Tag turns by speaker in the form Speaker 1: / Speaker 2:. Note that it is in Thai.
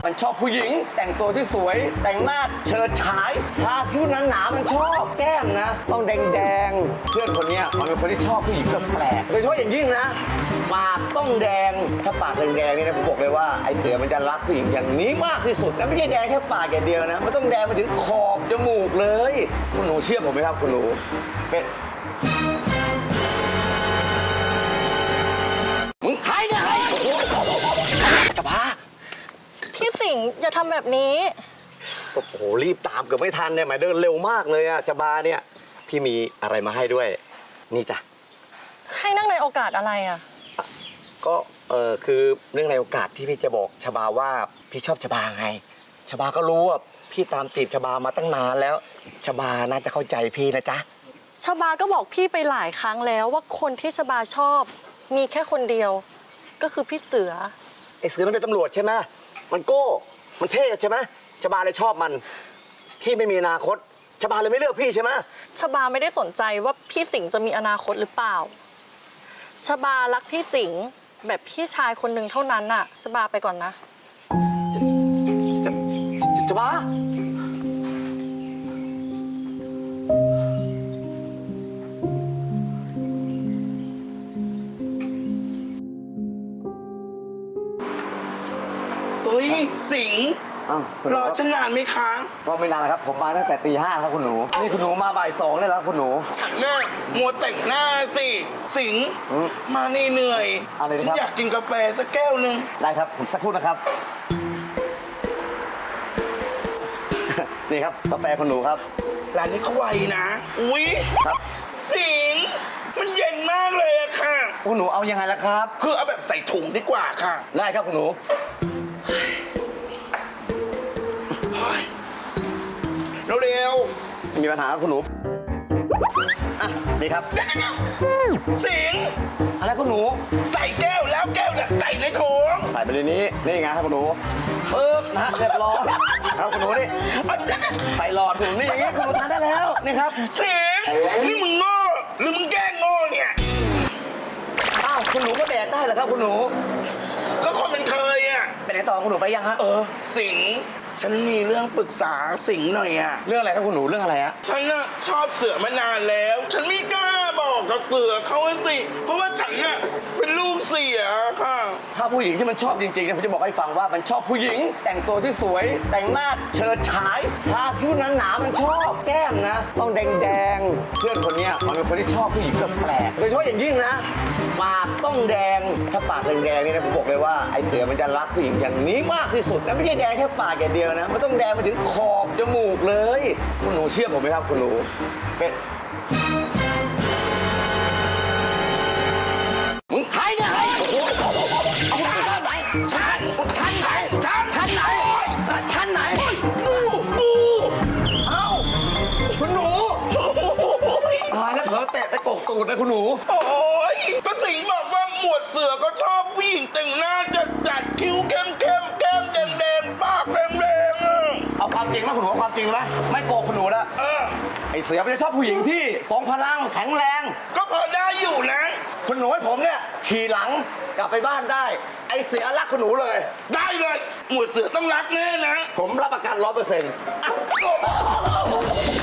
Speaker 1: มันชอบผู้หญิงแต่งตัวที่สวยแต่งหน้าเฉิดฉายทาผิวหนาๆมันชอบแก้มนะต้องแดงๆเพื่อนคนนี้มันเป็นคนที่ชอบผู้หญิงแปลกโดยเฉพาะอย่างยิ่งนะปากต้องแดงถ้าปากแดงๆนี่นะผมบอกเลยว่าไอเสือมันจะรักผู้หญิงอย่างนี้มากที่สุดและไม่ใช่แดงแค่ปากอย่างเดียวนะมันต้องแดงไปถึงขอบจมูกเลยคุณหนูเชื่อผมไหมครับคุณหนูเป็นมึงใครเนี่ยจะพา
Speaker 2: พี่สิงห์อย่าทำแบบนี้
Speaker 1: โอ้โหรีบตามเกือบไม่ทันเนี่ยหมายเดินเร็วมากเลยอะจะบาเนี่ยพี่มีอะไรมาให้ด้วยนี่จ้ะ
Speaker 2: ให้นั่งในโอกาสอะไรอ่ะ
Speaker 1: ก็คือเรื่องในโอกาสที่พี่จะบอกชบาว่าพี่ชอบชบาไงชบาก็รู้ว่าพี่ตามจีบชบามาตั้งนานแล้วชบาน่าจะเข้าใจพี่นะจ๊ะ
Speaker 2: ชบาก็บอกพี่ไปหลายครั้งแล้วว่าคนที่ชบาชอบมีแค่คนเดียวก็คือพี่เสือ
Speaker 1: ไอ้เสือมันเป็นตำรวจใช่ไหมมันโก้มันเท่ใช่ไหมชบาเลยชอบมันพี่ไม่มีอนาคตชบาเลยไม่เลือกพี่ใช่ไหม
Speaker 2: ชบาไม่ได้สนใจว่าพี่สิงห์จะมีอนาคตหรือเปล่าชบารักพี่สิงห์แบบพี่ชายคนหนึ่งเท่านั้นน่ะชบาไปก่อนนะ
Speaker 1: ชบา
Speaker 3: เฮ้ยสิงห์รอฉันนานไหมคะ
Speaker 1: รอไม่นานแล้วครับผมมาตั้งแต่ตี 5ครับคุณหนูนี่คุณหนูมาบ่าย 2เลยแล้วคุณหนู
Speaker 3: ฉันน่ะมัวแต่งหน้าสิสิงห์มานี่เหนื่อยฉันอยากกินกาแฟสักแก้วนึง
Speaker 1: ได้ครับผมสักครู่นะครับนี่ครับกาแฟคุณหนูครับ
Speaker 3: ร้านนี้เขาไวนะอุ๊ย
Speaker 1: ครับ
Speaker 3: สิงห์มันเย็นมากเลยอะค่ะ
Speaker 1: คุณหนูเอายังไงล่ะครับ
Speaker 3: คือเอาแบบใส่ถุงดีกว่าค่ะ
Speaker 1: ได้ครับคุณหนู
Speaker 3: เร็ว
Speaker 1: มีปัญหาคุณหนูอ่ะนี่ครับ
Speaker 3: สิงห์
Speaker 1: อะไรคุณหนู
Speaker 3: ใส่แก้วแล้วแก้วเนี่ยใส่ในถุง
Speaker 1: ใส่ไปในนี้นี่ไงครับคุณหนูปึ๊บนะเรียบร้อยครับคุณหนูนี่ใส่หลอดคุณหนูนี่อย่างงี้คุณหนูทานได้แล้วนี่ครับ
Speaker 3: สิงห์นี่มึงโง่หรือมึงแกล้งโง่เนี่ย
Speaker 1: อ้าวคุณหนูก็แดกได้เหรอครับคุณหนู
Speaker 3: ก็คนมันเคยอ่ะ
Speaker 1: ไปไหนต่อคุณหนูไปยังฮะ
Speaker 3: สิงห์ฉันมีเรื่องปรึกษาสิงห์หน่อยอ่ะ
Speaker 1: เรื่องอะไรครับคุณหนูเรื่องอะไรฮะ
Speaker 3: ฉันน่ะชอบเสือมานานแล้วฉันไม่กล้าบอกกับเสือเขาสิเพราะว่าฉันน่ะเป็นลูกเสือค่ะ
Speaker 1: ถ้าผู้หญิงที่มันชอบจริงๆเนี่ยผมจะบอกให้ฟังว่ามันชอบผู้หญิงแต่งตัวที่สวยแต่งหน้าเฉิดฉายทาผิวหนาๆมันชอบแก้มนะต้องแดงๆเพื่อนคนนี้มันเป็นคนที่ชอบผู้หญิงแปลกโดยเฉพาะอย่างยิ่งนะปากต้องแดงถ้าปากแดงๆนี่นะผมบอกเลยว่าไอเสือมันจะรักผู้หญิงอย่างนี้มากที่สุดและไม่ใช่แดงแค่ปากอย่างเดียวนะมันต้องแดงไปถึงขอบจมูกเลยคุณหนูเชื่อผมไหมครับคุณหนูเป็นมึงใครเนี่ยฉันไหนฉันไหนฉันไหนฉันไหนปูเอ้าคุณหนูตายแล้วเผลอแตะไปตกตูดเลยคุณหนู
Speaker 3: โอ้ยก็สิงห์บอกว่าหมวดเสือก็ชอบผู้หญิงแต่งหน้าจัดคิ้วเข้มแก้มแดงปากแดง
Speaker 1: เอาความจริงมาคุณหนูความจริงไหมไม่โกหกคุณหนูแล้วไอเสือมันจะชอบผู้หญิงที่ทรงพลังแข็งแรง
Speaker 3: ก็พอได้อยู่นะ
Speaker 1: คุณหนูให้ผมเนี่ยขี่หลังกลับไปบ้านได้ไอเสือรักคุณหนูเลย
Speaker 3: ได้เลยหมวดเสือต้องรักแน่นะ
Speaker 1: ผมรับประกัน100%